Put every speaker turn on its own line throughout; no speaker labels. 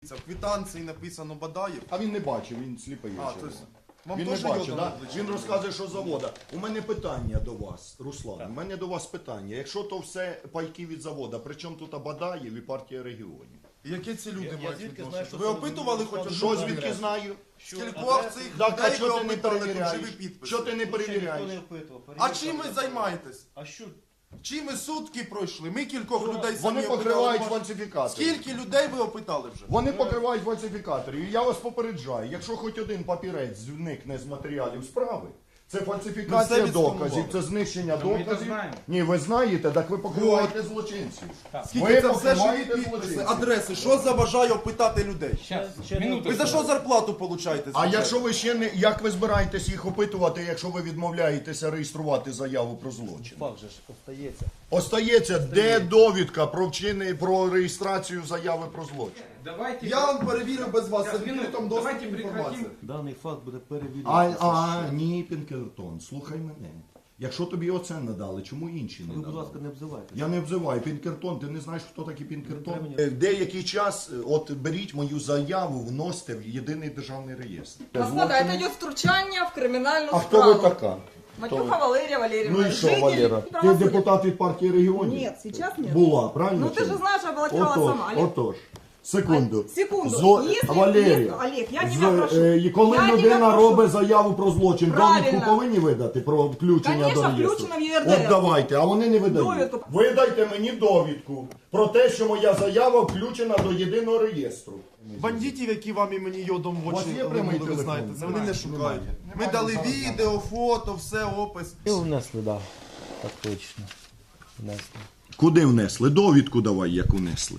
В квитанції написано Бадаєв.
А він не бачив, він сліпий.
Вам
Він
теж
не бачив,
йодом
да?
обличчя?
Він розказує, що завода. У мене питання до вас, Руслан. У мене до вас питання. Якщо то все пайки від завода, при чому тут Бадаєв і партія регіонів?
Які ці люди мають
звідки
відношення?
знаю, що
Ви
це
опитували хоч одну
Що
людину?
звідки знаю?
Скількох цих
Так, а
людей ви
що ти не
опитали, тут
перевіряєш?
живі підписи?
Що ти не перевіряєш?
А чим ви займаєтесь?
А що?
Чим ви сутки пройшли? Ми кількох людей самі
Вони
опитали.
покривають
Може,
фальсифікатори.
Скільки людей ви опитали вже?
Вони покривають фальсифікаторів. І я вас попереджаю, якщо хоч один папірець зникне з матеріалів справи, це
Ми
фальсифікація
все
доказів,
відсканували.
це знищення
ми це
доказів.
знаємо.
Ні, ви знаєте, так ви покриваєте злочинців.
Скільки
Ви
це все живі
покриваєте
підписи,
злочинців.
адреси? Що заважає опитати людей?
Минуту.
Ви за що зарплату получаєте?
А якщо ви ще не, як ви збираєтесь їх опитувати, якщо ви відмовляєтеся реєструвати заяву про злочин?
Факт же ж остається.
Остається, де довідка про реєстрацію заяви про злочин?
Давайте.
Я вам перевірю без вас, це в
Минуту.
відкритому
Давайте
доступі
прекратим.
інформація.
Даний факт буде перевірятися.
Ні, Пінкертон, слухай мене. Якщо тобі оце надали, чому інші не
Ви, будь
надали?
ласка, не обзивайте.
Я не обзиваю Пінкертон, ти не знаєш, хто такий Пінкертон?
Треба
Деякий час, от беріть мою заяву, вносите в єдиний державний реєстр.
Господа, это идет втручание в криминальную
А хто
справу.
ви така?
Матюха Валерия Валерьевна.
Ну і що,
житель
Валера? Ти
правосудия.
депутат від партії регіонів?
Нет, сейчас нет.
Була, правильно?
Ну ты
чи
же
ні?
знаешь, я баллотировала сама. Олег.
Отож. Секунду.
Секунду. Если-
Валерія,
Олег, я тебя прошу.
і коли
Я тебя
людина
прошу.
робить заяву про злочин,
Правильно.
довідку повинні видати про включення
Конечно,
до реєстру?
включено в ЄРДР.
От давайте, а вони не видають.
Довідку.
Видайте мені довідку про те, що моя заява включена до єдиного реєстру.
Бандитів, які вам і мені йодом в
У вас
очі
є прямий
линули, ви
телефон?
знаєте, це вони
Немає.
не шукають. Ми
Немає.
дали
Зараз
відео, фото, все, опис.
І внесли, так. Так точно. Внесли.
Куди внесли? Довідку давай, як внесли.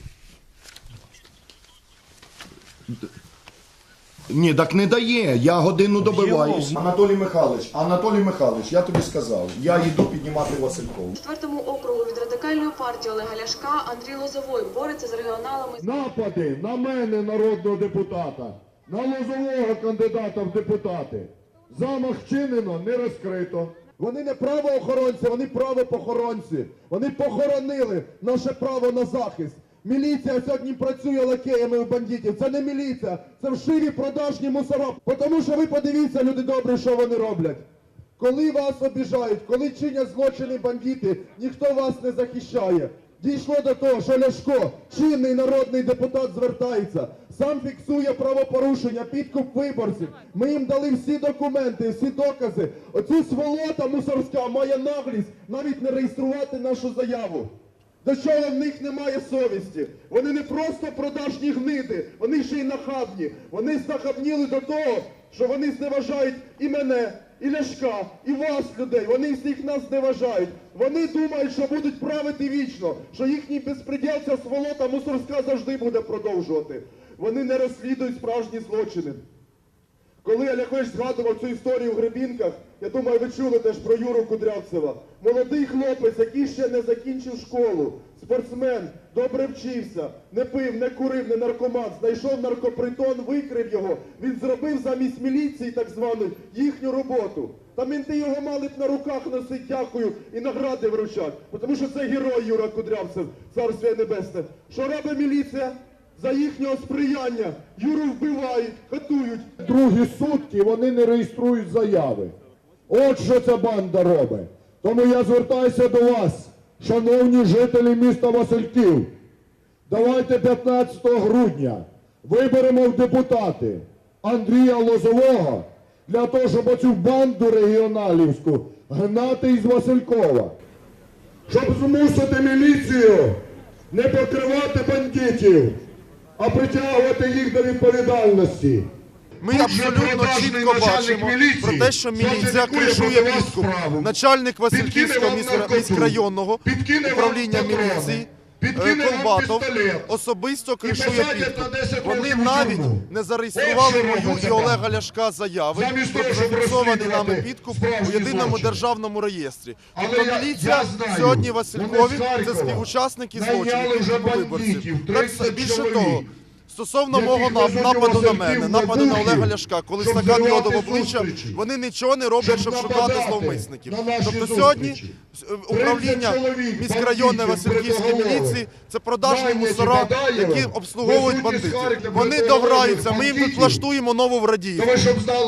Ні, так не дає. Я годину добиваюсь. Анатолій Михайлович, я тобі сказав, я йду піднімати Василькову.
4-му округу від радикальної партії Олега Ляшка Андрій Лозовой бореться з регіоналами.
Напади на мене, народного депутата, на Лозового кандидата в депутати. Замах вчинено, не розкрито. Вони не правоохоронці, вони правопохоронці. Вони похоронили наше право на захист. Міліція сьогодні працює лакеями у бандитів. Це не міліція, це вшиві продажні мусора. Тому що ви подивіться, люди добрі, що вони роблять. Коли вас обіжають, коли чинять злочини бандити, ніхто вас не захищає. Дійшло до того, що Ляшко, чинний народний депутат, звертається, сам фіксує правопорушення, підкуп виборців. Ми їм дали всі документи, всі докази. Оцю сволота мусорська має наглість навіть не реєструвати нашу заяву. До чого в них немає совісті? Вони не просто продажні гниди, вони ще й нахабні. Вони знахабніли до того, що вони зневажають і мене, і Ляшка, і вас, людей. Вони всіх нас зневажають. Вони думають, що будуть правити вічно, що їхній безпреділ, ця сволота мусорська завжди буде продовжувати. Вони не розслідують справжні злочини. Коли Оляхович згадував цю історію в Гребінках, я думаю, ви чули теж про Юру Кудрявцева. Молодий хлопець, який ще не закінчив школу, спортсмен, добре вчився, не пив, не курив, не наркоман, знайшов наркопритон, викрив його. Він зробив замість міліції, так званої, їхню роботу. Та менти його мали б на руках носити, дякую, і награди вручати. Тому що це герой Юра Кудрявцев, царство небесне. Що робить міліція? За їхнього сприяння Юру вбивають, катують. Другі сутки вони не реєструють заяви. От що ця банда робить. Тому я звертаюся до вас, шановні жителі міста Васильків. Давайте 15 грудня виберемо в депутати Андрія Лозового для того, щоб оцю банду регіоналівську гнати із Василькова. Щоб змусити міліцію не покривати бандитів, а притягувати їх до відповідальності.
Ми абсолютно чітко бачимо про те, що міліція кришує підкуп. Начальник Васильківського міськрайонного управління міліції Колбатов особисто кришує підкуп. Вони навіть не зареєстрували мою і Олега Ляшка заяви про зафіксований нами підкуп у єдиному державному реєстрі. Тобто міліція сьогодні Василькові – це співучасники злочинів підкупу виборців. Більше того, Стосовно
яких
мого
везуть
нападу на
Васильків
мене,
на
нападу на
духів,
Олега Ляшка, коли
щоб
стакан
зривати
йоду в обличчя,
зустрічі,
вони нічого не роблять, щоб шукати
нападати
зловмисників.
на наші
Тобто
зустрічі.
сьогодні управління
30 чоловік
міськрайонної
бандитів
Васильківської
бритоголових,
міліції – це продажні
наняті
мусора,
Бадаєвим,
які обслуговують
везуть із
бандитів.
Харкова
Вони
бритоголових
дограються, ми їм тут
бандитів.
влаштуємо нову в
То
Радіївці.
ви щоб знали,